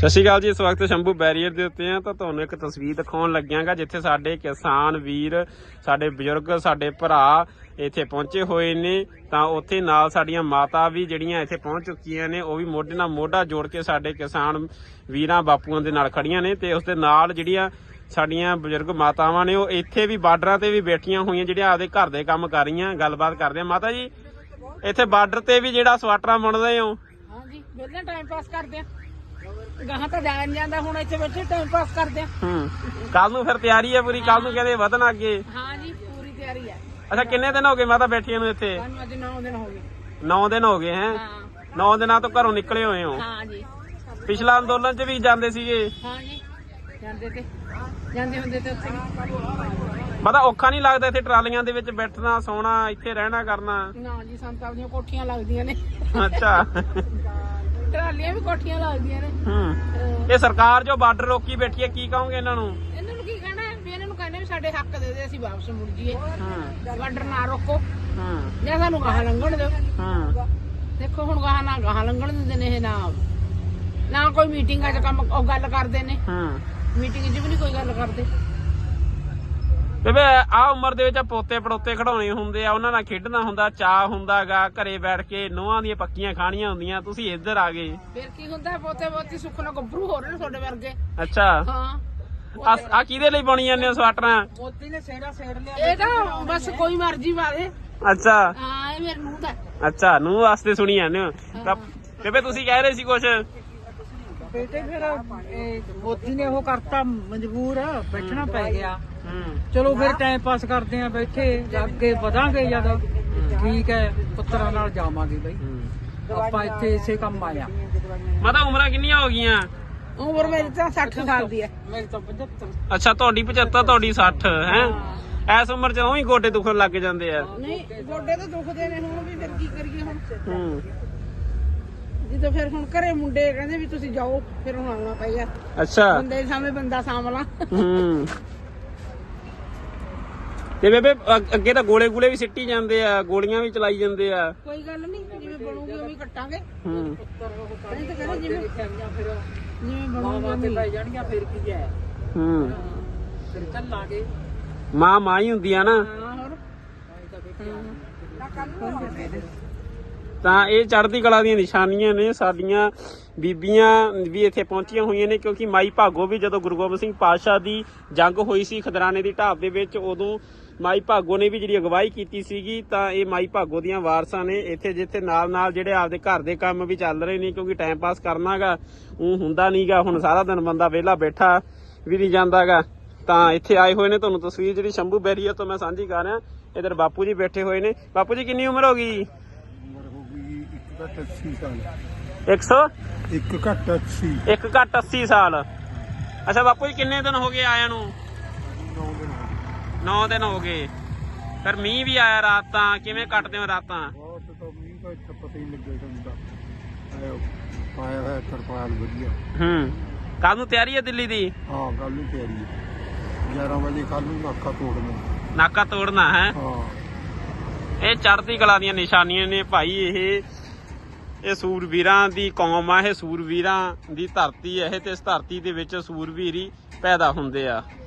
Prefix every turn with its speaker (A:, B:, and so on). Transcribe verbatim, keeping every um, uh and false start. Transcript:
A: ਸਤਿ ਸ਼੍ਰੀ ਅਕਾਲ ਜੀ। ਇਸ ਵਕਤ ਸ਼ੰਭੂ ਬੈਰੀਅਰ ਦੇ ਉੱਤੇ ਆ ਤਾਂ ਤੁਹਾਨੂੰ ਇੱਕ ਤਸਵੀਰ ਦਿਖਾਉਣ ਲੱਗਿਆਗਾ ਜਿੱਥੇ ਸਾਡੇ ਕਿਸਾਨ ਵੀਰ, ਸਾਡੇ ਬਜ਼ੁਰਗ, ਸਾਡੇ ਭਰਾ ਇੱਥੇ ਪਹੁੰਚੇ ਹੋਏ ਨੇ। ਤਾਂ ਉੱਥੇ ਨਾਲ ਸਾਡੀਆਂ ਮਾਤਾ ਵੀ ਜਿਹੜੀਆਂ ਇੱਥੇ ਪਹੁੰਚ ਚੁੱਕੀਆਂ ਨੇ, ਉਹ ਵੀ ਮੋਢੇ ਨਾਲ ਮੋਢਾ ਜੋੜ ਕੇ ਸਾਡੇ ਕਿਸਾਨ ਵੀਰਾਂ ਬਾਪੂਆਂ ਦੇ ਨਾਲ ਖੜੀਆਂ ਨੇ। ਤੇ ਉਸ ਦੇ ਨਾਲ ਜਿਹੜੀਆਂ ਸਾਡੀਆਂ ਬਜ਼ੁਰਗ ਮਾਤਾਵਾਂ ਨੇ, ਉਹ ਇੱਥੇ ਵੀ ਬਾਰਡਰਾਂ ਤੇ ਵੀ ਬੈਠੀਆਂ ਹੋਈਆਂ, ਜਿਹੜੀਆਂ ਆਪਦੇ ਘਰ ਦੇ ਕੰਮ ਕਰ ਰਹੀਆਂ। ਗੱਲਬਾਤ ਕਰਦੇ ਆ। ਮਾਤਾ ਜੀ, ਇੱਥੇ ਬਾਰਡਰ ਤੇ ਵੀ ਜਿਹੜਾ ਸਵਾਟਰਾਂ ਬੁਣਦੇ ਹੋ?
B: ਹਾਂਜੀ, ਵਿਹਲੇ ਟਾਈਮ ਪਾਸ ਕਰਦੇ ਆ। ਗਾਹਾਂ ਤਾਂ ਜਾਣ ਜਾਂਦਾ, ਹੁਣ ਇੱਥੇ ਬੈਠੇ ਟਾਈਮ ਪਾਸ ਕਰਦੇ ਆ।
A: ਹੂੰ, ਕੱਲ ਨੂੰ ਫਿਰ ਤਿਆਰੀ ਹੈ ਪੂਰੀ? ਕੱਲ ਨੂੰ ਕਹਿੰਦੇ ਵਧਣ ਅੱਗੇ?
B: ਹਾਂ ਜੀ, ਪੂਰੀ ਤਿਆਰੀ ਹੈ।
A: ਅੱਛਾ, ਕਿੰਨੇ ਦਿਨ ਹੋ ਗਏ ਮਾਤਾ ਬੈਠੀਆਂ ਨੂੰ ਇੱਥੇ?
B: ਸਾਨੂੰ ਅੱਜ ਨੌ ਦਿਨ ਹੋ ਗਏ।
A: ਨੌ ਦਿਨ ਹੋ ਗਏ ਹੈ?
B: ਹਾਂ
A: ਨੌ ਦਿਨਾਂ ਤੋਂ ਘਰੋਂ ਨਿਕਲੇ ਹੋਏ ਹੋ?
B: ਹਾਂ ਜੀ।
A: ਪਿਛਲਾ ਅੰਦੋਲਨ 'ਚ ਵੀ ਜਾਂਦੇ ਸੀਗੇ?
B: ਹਾਂ ਜੀ, ਜਾਂਦੇ ਤੇ ਜਾਂਦੇ ਹੁੰਦੇ ਤੇ ਉੱਥੇ
A: ਮਾਤਾ ਔਖਾ ਨਹੀਂ ਲੱਗਦਾ ਇੱਥੇ ਟਰਾਲੀਆਂ ਦੇ ਵਿੱਚ ਬੈਠਣਾ, ਸੌਣਾ, ਇੱਥੇ ਰਹਿਣਾ ਕਰਨਾ?
B: ਨਾ ਜੀ, ਸੰਤਾਂ ਦੀਆਂ ਕੋਠੀਆਂ ਲੱਗਦੀਆਂ ਨੇ।
A: ਅੱਛਾ,
B: ਟਰਾਲੀਆਂ ਵੀ ਕੋਠੀਆਂ ਲੱਗਦੀਆਂ ਨੇ।
A: ਹੂੰ। ਇਹ ਸਰਕਾਰ ਜੋ ਬਾਰਡਰ ਰੋਕੀ ਬੈਠੀ ਹੈ, ਕੀ ਕਹੋਗੇ ਇਹਨਾਂ ਨੂੰ?
B: ਇਹਨਾਂ ਨੂੰ ਕੀ ਕਹਿਣਾ ਵੀ ਇਹਨਾਂ ਨੂੰ ਕਹਿੰਦੇ ਵੀ ਸਾਡੇ ਹੱਕ ਦੇ ਦੇ, ਅਸੀਂ ਵਾਪਸ ਮੁੜ ਜੀਏ। ਬਾਰਡਰ ਨਾ ਰੋਕੋ
A: ਹੂੰ
B: ਜਾਂ ਸਾਨੂੰ ਗਾਹਾਂ ਲੰਘਣ ਦਿਓ।
A: ਹੂੰ।
B: ਦੇਖੋ ਹੁਣ ਗਾਹਾਂ ਨਾ ਗਾਹਾਂ ਲੰਘਣ ਦਿੰਦੇ ਨੇ, ਇਹ ਨਾ ਨਾ ਕੋਈ ਮੀਟਿੰਗਾਂ 'ਚ ਕੰਮ ਉਹ ਗੱਲ ਕਰਦੇ ਨੇ।
A: ਹੂੰ।
B: ਮੀਟਿੰਗ 'ਚ ਵੀ ਨਹੀਂ ਕੋਈ ਗੱਲ ਕਰਦੇ।
A: ਬੇਬੇ, ਆਹ ਉਮਰ ਦੇ ਵਿੱਚ ਪੋਤੇ ਪੜੋਤੇ ਖਿਡਾਉਣੇ ਹੁੰਦੇ ਆ, ਉਹਨਾਂ ਨਾਲ ਖੇਡਣਾ ਹੁੰਦਾ, ਚਾਹ ਹੁੰਦਾਗਾ, ਘਰੇ ਬੈਠ ਕੇ ਨੋਹਾਂ ਦੀਆਂ ਪੱਕੀਆਂ ਖਾਣੀਆਂ ਹੁੰਦੀਆਂ। ਤੁਸੀਂ ਇੱਧਰ ਆ ਗਏ,
B: ਫਿਰ ਕੀ ਹੁੰਦਾ? ਪੋਤੇ ਪੋਤੀ ਸੁੱਖ ਨਾਲ ਗੱਭਰੂ ਹੋ ਰਹੇ ਨੇ ਤੁਹਾਡੇ ਵਰਗੇ।
A: ਅੱਛਾ,
B: ਹਾਂ।
A: ਆ ਕਿਹਦੇ ਲਈ ਬਣੀ ਜਾਂਦੇ ਹੋ ਸਵਾਟਰਾਂ?
B: ਪੋਤੀ ਨੇ ਸੇੜਾ ਸੇੜ ਲਿਆ। ਇਹ ਤਾਂ ਬਸ ਕੋਈ ਮਰਜ਼ੀ ਵਾਲੇ।
A: ਅੱਛਾ।
B: ਹਾਂ, ਇਹ ਮੇਰੇ ਨੂੰਹ ਦਾ।
A: ਅੱਛਾ, ਨੂੰਹ ਵਾਸਤੇ ਸੁਣੀ ਜਾਂਦੇ ਹੋ ਤਾਂ। ਬੇਬੇ, ਤੁਸੀਂ ਕਹਿ ਰਹੇ ਸੀ ਕੁਛ?
C: ਬੇਟੇ ਫਿਰ ਮੋਦੀ ਨੇ ਉਹ ਕਰਤਾ, ਮਜਬੂਰ ਬੈਠਣਾ ਪੈ ਗਿਆ।
A: ਹੂੰ।
C: ਚਲੋ ਫਿਰ ਟਾਈਮ ਪਾਸ ਕਰਦੇ ਆ ਬੈਠੇ, ਅੱਗੇ ਵਧਾਂਗੇ ਜਦ ਠੀਕ ਹੈ, ਪੁੱਤਰਾਂ ਨਾਲ ਜਾਵਾਂਗੇ ਬਈ। ਆਪਾਂ ਇੱਥੇ ਇਸੇ ਕੰਮ ਆਇਆ।
A: ਮਾਤਾ, ਉਮਰਾਂ ਕਿੰਨੀਆਂ ਹੋ ਗਈਆਂ?
B: ਉਮਰ ਮੇਰੀ ਤਾਂ ਸੱਠ ਸਾਲ ਦੀ ਹੈ।
C: ਮੇਰੀ ਤਾਂ ਪਝੱਤਰ।
A: ਅੱਛਾ, ਤੁਹਾਡੀ ਪਝੱਤਰ, ਤੁਹਾਡੀ ਸੱਠ ਹੈ? ਐਸ ਉਮਰ 'ਚ ਉਹੀ ਗੋਡੇ ਦੁਖਣ ਲੱਗ ਜਾਂਦੇ ਆ।
B: ਨਹੀਂ, ਗੋਡੇ ਤਾਂ ਦੁਖਦੇ ਨੇ ਹੁਣ ਵੀ, ਫਿਰ ਕੀ ਕਰੀਏ ਹੁਣ?
A: ਹੂੰ।
B: ਜਦੋਂ ਫਿਰ ਹੁਣ ਘਰੇ ਮੁੰਡੇ ਕਹਿੰਦੇ ਵੀ ਤੁਸੀਂ ਜਾਓ, ਫਿਰ ਹੁਣ ਆਉਣਾ ਪਈਆ।
A: ਅੱਛਾ।
B: ਬੰਦੇ ਸਾਹਮਣੇ ਬੰਦਾ ਸਾਂਭਲਾ।
A: ਹੂੰ। ਤੇ ਬੇਬੇ, ਅੱਗੇ ਤਾਂ ਗੋਲੇ ਗੋਲੇ ਵੀ ਸਿੱਟੀ ਜਾਂਦੇ ਆ, ਗੋਲੀਆਂ ਵੀ ਚਲਾਈ ਜਾਂਦੇ ਆ।
B: ਕੋਈ ਗੱਲ ਨਹੀਂ, ਜਿਵੇਂ ਬਣੂਗੀ ਉਵੇਂ ਕੱਟਾਂਗੇ।
A: ਹੂੰ।
B: ਨਹੀਂ ਤਾਂ ਕਹਿੰਦੇ ਜਿਵੇਂ
C: ਫਿਰ
B: ਜਿਵੇਂ
C: ਮਾਵਾਂ
B: ਬਣੂਗੀ
C: ਤੇ ਪੈ ਜਾਣਗੀਆਂ, ਫਿਰ ਕੀ ਹੈ,
A: ਹੂੰ।
C: ਫਿਰ ਚੱਲਾਂਗੇ।
A: ਮਾਂ ਮਾਂ ਹੀ ਹੁੰਦੀ ਆ ਨਾ।
B: ਹਾਂ, ਹੋਰ
A: ਤਾਂ ਇਹ ਚੜ੍ਹਦੀ ਕਲਾ ਦੀਆਂ ਨਿਸ਼ਾਨੀਆਂ ਨੇ। ਸਾਡੀਆਂ ਬੀਬੀਆਂ ਵੀ ਇੱਥੇ ਪਹੁੰਚੀਆਂ ਹੋਈਆਂ ਨੇ, ਕਿਉਂਕਿ ਮਾਈ ਭਾਗੋ ਵੀ ਜਦੋਂ ਗੁਰੂ ਗੋਬਿੰਦ ਸਿੰਘ ਪਾਤਸ਼ਾਹ ਦੀ ਜੰਗ ਹੋਈ ਸੀ ਖਦਰਾਣੇ ਦੀ ਢਾਬ ਦੇ ਵਿੱਚ, ਉਦੋਂ ਮਾਈ ਭਾਗੋ ਨੇ ਵੀ ਜਿਹੜੀ ਅਗਵਾਈ ਕੀਤੀ ਸੀਗੀ। ਤਾਂ ਇਹ ਮਾਈ ਭਾਗੋ ਦੀਆਂ ਵਾਰਸਾਂ ਨੇ ਇੱਥੇ, ਜਿੱਥੇ ਨਾਲ ਨਾਲ ਜਿਹੜੇ ਆਪਦੇ ਘਰ ਦੇ ਕੰਮ ਵੀ ਚੱਲ ਰਹੇ ਨੇ, ਕਿਉਂਕਿ ਟਾਈਮ ਪਾਸ ਕਰਨਾਗਾ ਉਹ ਹੁੰਦਾ ਨਹੀਂਗਾ। ਹੁਣ ਸਾਰਾ ਦਿਨ ਬੰਦਾ ਵਿਹਲਾ ਬੈਠਾ ਵੀ ਨਹੀਂ ਜਾਂਦਾਗਾ। ਤਾਂ ਇੱਥੇ ਆਏ ਹੋਏ ਨੇ। ਤੁਹਾਨੂੰ ਤਸਵੀਰ ਜਿਹੜੀ ਸ਼ੰਭੂ ਬੈਰੀਅਰ ਤੋਂ ਮੈਂ ਸਾਂਝੀ ਕਰ ਰਿਹਾ। ਇੱਧਰ ਬਾਪੂ ਜੀ ਬੈਠੇ ਹੋਏ ਨੇ। ਬਾਪੂ ਜੀ, ਕਿੰਨੀ ਉਮਰ ਹੋ ਗਈ? ਇੱਕ ਸੌ
D: ਇੱਕ ਘੱਟ ਅੱਸੀ।
A: ਇੱਕ ਘੱਟ ਅੱਸੀ ਸਾਲ। ਅੱਛਾ ਬਾਪੂ ਜੀ, ਕਿੰਨੇ ਦਿਨ ਹੋ ਗਏ ਆਇਆ ਨੂੰ? ਨੌ ਦਿਨ ਹੋ ਗਏ। ਫਿਰ ਮੀਂਹ ਵੀ ਆਇਆ ਰਾਤ, ਤਾਂ ਕਿਵੇਂ ਕੱਟਦੇ ਹੋ ਰਾਤਾਂ?
D: ਬਹੁਤ ਤਾਂ ਮੀਂਹ ਦਾ ਇੱਥੇ ਪਤਾ ਹੀ ਲੱਗਿਆ ਜਾਂਦਾ। ਪਾਇਆ ਹੋਇਆ ਤਰਪਾਲ ਵਧੀਆ।
A: ਹੂੰ। ਕੱਲ ਨੂੰ ਤਿਆਰੀ ਹੈ ਦਿੱਲੀ ਦੀ?
D: ਹਾਂ, ਕੱਲ ਨੂੰ ਤਿਆਰੀ ਹੈ। ਗਿਆਰਾਂ ਵਜੇ ਕੱਲ ਨੂੰ ਨਾਕਾ ਤੋੜਨਾ।
A: ਨਾਕਾ ਤੋੜਨਾ ਹੈ?
D: ਹਾਂ।
A: ਇਹ ਚੜ੍ਹਦੀ ਕਲਾ ਦੀਆਂ ਨਿਸ਼ਾਨੀਆਂ ਨੇ ਭਾਈ। ਇਹ ਇਹ ਸੂਰਵੀਰਾਂ ਦੀ ਕੌਮ ਆ, ਇਹ ਸੂਰਵੀਰਾਂ ਦੀ ਧਰਤੀ ਹੈ ਇਹ, ਤੇ ਇਸ ਧਰਤੀ ਦੇ ਵਿੱਚ ਸੂਰਵੀਰ ਹੀ ਪੈਦਾ ਹੁੰਦੇ ਆ।